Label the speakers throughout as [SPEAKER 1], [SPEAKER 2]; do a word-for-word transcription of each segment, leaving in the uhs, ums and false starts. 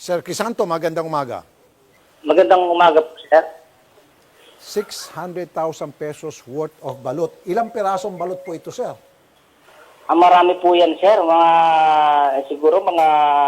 [SPEAKER 1] Sir Crisanto, magandang umaga.
[SPEAKER 2] Magandang umaga po, sir.
[SPEAKER 1] six hundred thousand pesos worth of balot. Ilang pirasong balot po ito, sir?
[SPEAKER 2] Ang marami po yan, sir. Mga, eh, siguro mga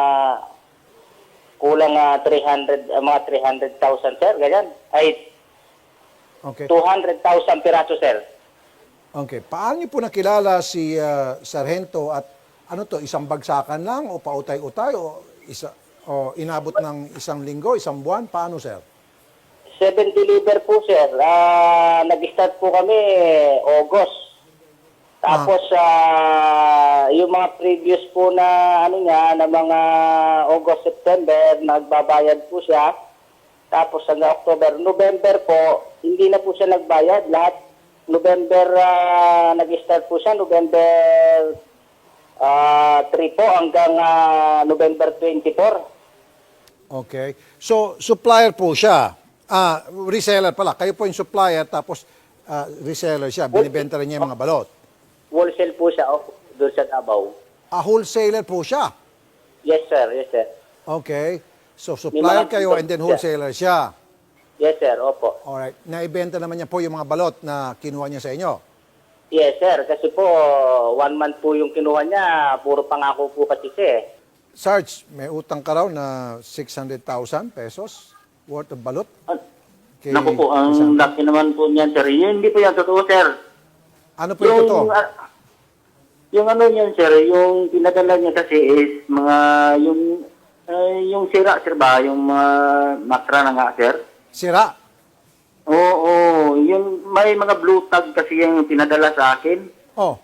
[SPEAKER 2] kulang ah, three hundred, ah, mga three hundred thousand, sir. Ganyan. Ay,
[SPEAKER 1] Okay.
[SPEAKER 2] two hundred thousand piraso, sir.
[SPEAKER 1] Okay. Paano niyo po nakilala si ah, Sargento at ano to, isang bagsakan lang o pautay-utay o isa o inabot ng isang linggo, isang buwan? Paano, sir?
[SPEAKER 2] Seven deliver po, sir. Ah, nag-start po kami August. Tapos, ah, yung mga previous po na, ano niya, na mga August, September, nagbabayad po siya. Tapos, hanggang October, November po, hindi na po siya nagbayad. Lahat, November, ah, nag-start po siya, November ah, three po, hanggang ah, November twenty-four.
[SPEAKER 1] Okay. So, supplier po siya. Ah, reseller pala. Kayo po yung supplier tapos ah, reseller siya. Binibenta rin niya yung mga balot.
[SPEAKER 2] Wholesale po siya, oh, doon sa Davao.
[SPEAKER 1] Ah, wholesaler po siya.
[SPEAKER 2] Yes, sir. Yes, sir.
[SPEAKER 1] Okay. So, supplier
[SPEAKER 2] mga
[SPEAKER 1] kayo
[SPEAKER 2] pinto-
[SPEAKER 1] and then wholesaler siya.
[SPEAKER 2] Yes, sir. Opo.
[SPEAKER 1] Alright. Naibenta naman niya po yung mga balot na kinuha niya sa inyo.
[SPEAKER 2] Yes, sir. Kasi po, one month po yung kinuha niya. Puro pangako po kasi siya eh.
[SPEAKER 1] Sarge, may utang ka raw na six hundred thousand pesos worth of balot.
[SPEAKER 3] Ah,
[SPEAKER 1] Kay
[SPEAKER 3] Naku po, ang
[SPEAKER 1] isang-
[SPEAKER 3] laki naman po niyan, sir. Yun, hindi po yan totoo, sir.
[SPEAKER 1] Ano po yung totoo?
[SPEAKER 3] ah, yung ano niyan, sir, yung pinadala niya kasi is mga, yung, ah, yung sira, sir ba? Yung mga makra na nga, sir.
[SPEAKER 1] Sira.
[SPEAKER 3] Oo, oo. Yung, may mga blue tag kasi yung pinadala sa akin.
[SPEAKER 1] Oh,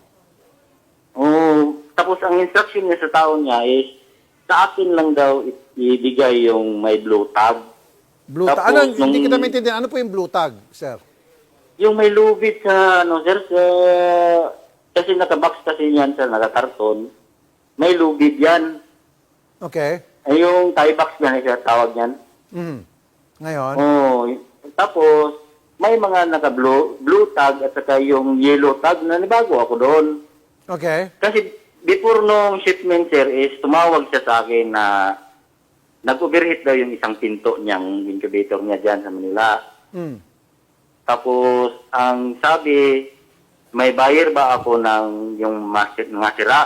[SPEAKER 3] Oo. Tapos ang instruction niya sa tao niya is, sa akin lang daw i- ibigay yung may blue tag.
[SPEAKER 1] blue tag.
[SPEAKER 3] Tapos
[SPEAKER 1] Ano, hindi
[SPEAKER 3] nung-
[SPEAKER 1] kita maintindihan. Ano po yung blue tag, sir?
[SPEAKER 3] Yung may lubid sa, ano, sir, sa, kasi nakabox kasi yan, sir, nakakarton. May lubid yan.
[SPEAKER 1] Okay.
[SPEAKER 3] Ay, yung tie box yan, sir, tawag yan.
[SPEAKER 1] Mhm. Ngayon,
[SPEAKER 3] Oo. Tapos, may mga naka-blue blue tag at saka yung yellow tag na nibago ako doon.
[SPEAKER 1] okay.
[SPEAKER 3] Kasi before nung shipment, sir, is tumawag siya sa akin na nag-overheat daw yung isang pinto niyang incubator niya dyan sa Manila.
[SPEAKER 1] Mm.
[SPEAKER 3] Tapos, ang sabi, may buyer ba ako ng yung mas- mga sira?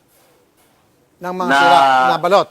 [SPEAKER 1] Ng mga
[SPEAKER 3] Na-
[SPEAKER 1] sira na balot.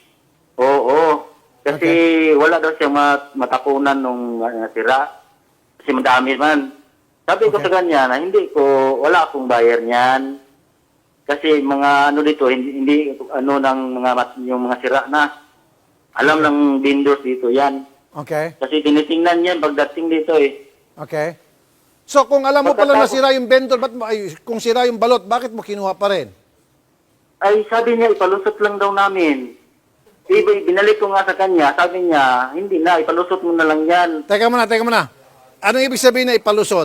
[SPEAKER 3] Oo. Kasi wala daw siya mat- matapunan nung uh, sira. Kasi madami man. Sabi ko
[SPEAKER 1] Okay.
[SPEAKER 3] sa kanya na hindi ko, wala akong buyer niyan. Kasi mga ano dito, hindi, hindi ano ng mga mat- yung mga sira na. Alam ng vendors dito yan.
[SPEAKER 1] Okay.
[SPEAKER 3] Kasi tinitingnan yan pagdating dito eh.
[SPEAKER 1] Okay. So, kung alam mo pala na
[SPEAKER 3] Pagkatapos-
[SPEAKER 1] sira yung vendor, ba't mo, ay, kung sira yung balot, bakit mo kinuha pa rin?
[SPEAKER 3] Ay, sabi niya, ipalusot lang daw namin. Ibig, binalik ko nga sa kanya, sabi niya, hindi na, ipalusot mo na lang yan.
[SPEAKER 1] Teka muna, teka muna. Anong ibig sabihin na ipalusot?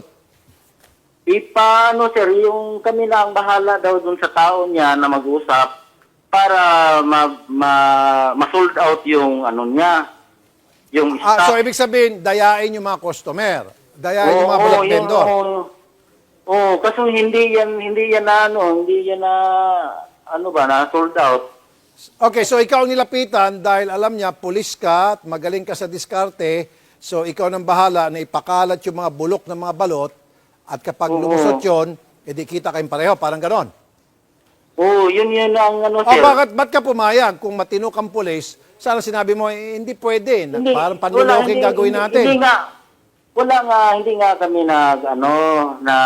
[SPEAKER 3] Ipaano, sir, yung kami na ang bahala daw dun sa tao niya na mag-usap para ma, ma, ma-sold out yung ano niya, yung
[SPEAKER 1] Ah,
[SPEAKER 3] stock.
[SPEAKER 1] so, ibig sabihin, dayain yung mga customer. Dayain yung mga
[SPEAKER 3] Oo,
[SPEAKER 1] balot
[SPEAKER 3] yun,
[SPEAKER 1] vendor.
[SPEAKER 3] Oo, Oo, kasi hindi yan, hindi yan na ano, hindi yan na, ano ba, na sold out.
[SPEAKER 1] Okay, so ikaw ang nilapitan dahil alam niya, pulis ka at magaling ka sa diskarte. So, ikaw nang bahala na ipakalat yung mga bulok ng mga balot at kapag
[SPEAKER 3] Oo.
[SPEAKER 1] lumusot yun, edi kita kayong pareho. Parang ganon.
[SPEAKER 3] Oo, yun yun ang ano,
[SPEAKER 1] O
[SPEAKER 3] sir.
[SPEAKER 1] bakit, ba't ka pumayag? Kung matino kang pulis, sana sinabi mo, eh, hindi pwede. Na, parang panlulokeng
[SPEAKER 3] wala,
[SPEAKER 1] gagawin
[SPEAKER 3] hindi,
[SPEAKER 1] natin.
[SPEAKER 3] Hindi nga, wala nga, hindi nga kami nag, ano, na,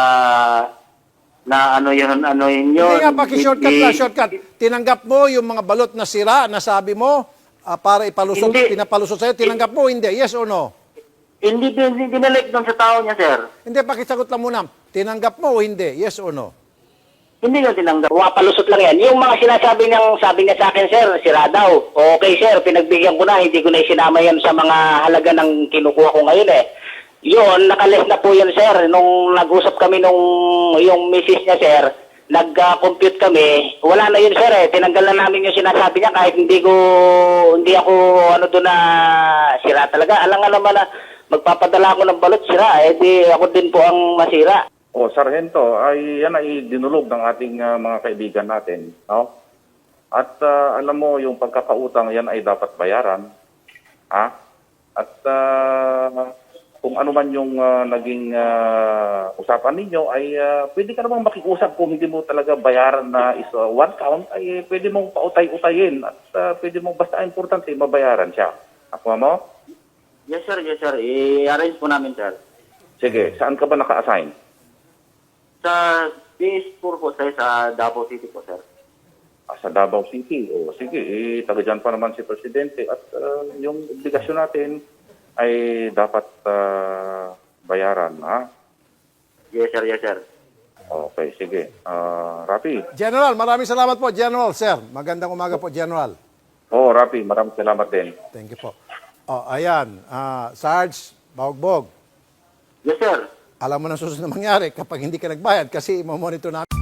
[SPEAKER 3] na ano yun, ano yun yun.
[SPEAKER 1] Hindi nga, paki-shortcut
[SPEAKER 3] Hindi-
[SPEAKER 1] lang, shortcut. Tinanggap mo yung mga balot na sira na sabi mo, ah, para ipalusot,
[SPEAKER 3] Hindi.
[SPEAKER 1] pinapalusot sa'yo, tinanggap mo, hindi, yes or no?
[SPEAKER 3] Hindi, hindi, dinalik doon sa tao niya, sir.
[SPEAKER 1] Hindi, pakisagot lang muna. Tinanggap mo o hindi, yes or no?
[SPEAKER 3] Hindi nga tinanggap.
[SPEAKER 2] Pumapalusot lang yan. Yung mga sinasabi niyang, sabi niya sa akin, sir, sira daw. Okay, sir, pinagbigyan ko na. Hindi ko na isinama yan sa mga halaga ng kinukuha ko ngayon eh. Yun, nakalis na po yan, sir. Nung nag-usap kami nung yung misis niya, sir, nag-compute kami. Wala na yun, sir eh. Tinanggal na namin yung sinasabi niya kahit hindi ko, hindi ako, ano doon na sira talaga. Alam nga naman na magpapadala ako ng balot, sira. Eh, di ako din po ang masira.
[SPEAKER 4] O, Sargento, ay yan ay dinulog ng ating ah, mga kaibigan natin. No? At ah, alam mo, yung pagkakautang yan ay dapat bayaran. Ha? At ah, kung ano man yung ah, naging ah, usapan ninyo, ay ah, pwede ka namang makiusap kung hindi mo talaga bayaran na is ah, one count, ay pwede mong pautay-utayin. At ah, pwede mong basta importante, mabayaran siya. Ako mo?
[SPEAKER 3] Yes, sir. Yes, sir. I-arrange po namin, sir.
[SPEAKER 4] Sige, saan ka ba naka-assign?
[SPEAKER 3] Sa P S four po, sir, sa Davao City po, sir.
[SPEAKER 4] Ah, sa Davao City. O sige, eh, taga dyan pa naman si Presidente. At ah, yung obligasyon natin ay dapat ah, bayaran. Ha?
[SPEAKER 3] Yes, sir. Yes, sir.
[SPEAKER 4] Okay, sige. Ah, Rapi.
[SPEAKER 1] General, maraming salamat po, General, sir. Magandang umaga po, General.
[SPEAKER 4] Oh, Rapi, maraming salamat din.
[SPEAKER 1] Thank you po. Oh, ayan, ah, Sarge Baugbog,
[SPEAKER 3] Yes, sir.
[SPEAKER 1] alam mo na susunod na mangyari kapag hindi ka nagbayad kasi monitor namin.